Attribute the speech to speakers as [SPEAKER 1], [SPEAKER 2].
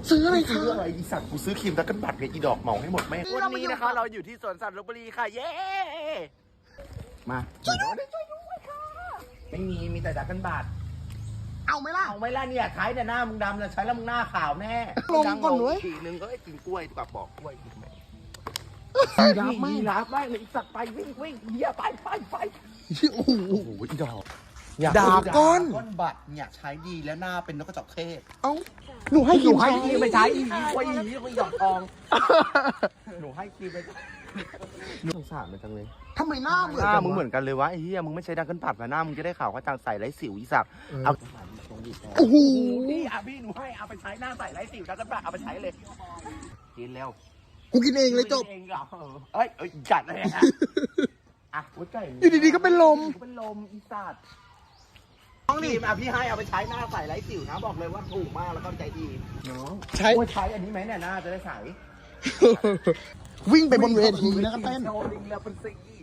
[SPEAKER 1] ซื้ออะไรคะ
[SPEAKER 2] ซื้ออะไรอีสัตว์กูซื้อครีมตะกันบัตรกับอีดอกเหมาให้หมดแม่วันนี้นะคะเราอยู่ที่สวนสัตว์ลพบุรีค่ะเย้มาช่วยด้วยค่ะไม่มีแต่ตะกันบัตร
[SPEAKER 1] เอาไหมล่ะ
[SPEAKER 2] เอาไม่ล่ะเนี่ยใช้แต่หน้ามึงดำเลยใช้แล้วมึงหน้าขาวแน่
[SPEAKER 1] ลงก่อนเว้ย
[SPEAKER 2] ทีนึงก็กินกล้วยดีกว่าบอกกล้วยกินไหม
[SPEAKER 1] รับไม่
[SPEAKER 2] รับไม่เลยอีสัตว์ไปวิ่งเฮียไป
[SPEAKER 1] โอ้โห
[SPEAKER 2] โอ้โหอีดอก
[SPEAKER 1] ดาก้อน
[SPEAKER 2] ก้อนบัตรเนี่ยใช้ดีแล้วหน้าเป็นนกกระจอกเทศ
[SPEAKER 1] เอ้าหนูให้กิน
[SPEAKER 2] ให้
[SPEAKER 1] ใช้
[SPEAKER 2] ครีมไปใช้อีกล้วยอีกล้วยดอกทองหนูให้ครีมไปสงสารมันจังเลย
[SPEAKER 1] ทำไมหน้าเหมือน
[SPEAKER 2] หน้า
[SPEAKER 1] กัน
[SPEAKER 2] มึงเหมื
[SPEAKER 1] วะ
[SPEAKER 2] อนกันเลยวะไอ้เหี้ยมึงไม่ใช้ดังกันผัดมาหน้ามึงจะได้ข่าวว่าจางใส่ไรสิวอีสักเอา
[SPEAKER 1] โอ้โห
[SPEAKER 2] นี่อ่ะพี่หนูให้เอาไปใช้หน้าใส่ไรสิวดังกันผัดเอาไปใช้เลยกินแล้ว
[SPEAKER 1] กูกินเองเลยจบ
[SPEAKER 2] เองเหรอเอ้ยจัดเลยอ่ะอ่ะหัวใจ
[SPEAKER 1] อยู่ดีๆก็เป็นลม
[SPEAKER 2] เป็นลมอีสัตว์น้องนี่อ่ะพี่ให้เอาไปใช้หน้าใส่ไรสิวนะบอกเลยว่าถูกมากแล้วก็ใจดีน้อง
[SPEAKER 1] ใช้
[SPEAKER 2] ใช้อันนี้ไหมเนี่ยหน้าจะได้ใส
[SPEAKER 1] วิ่งไปบนเวทีแล้วก็เต้น
[SPEAKER 2] โชว์ลิงแล้วเป็นสี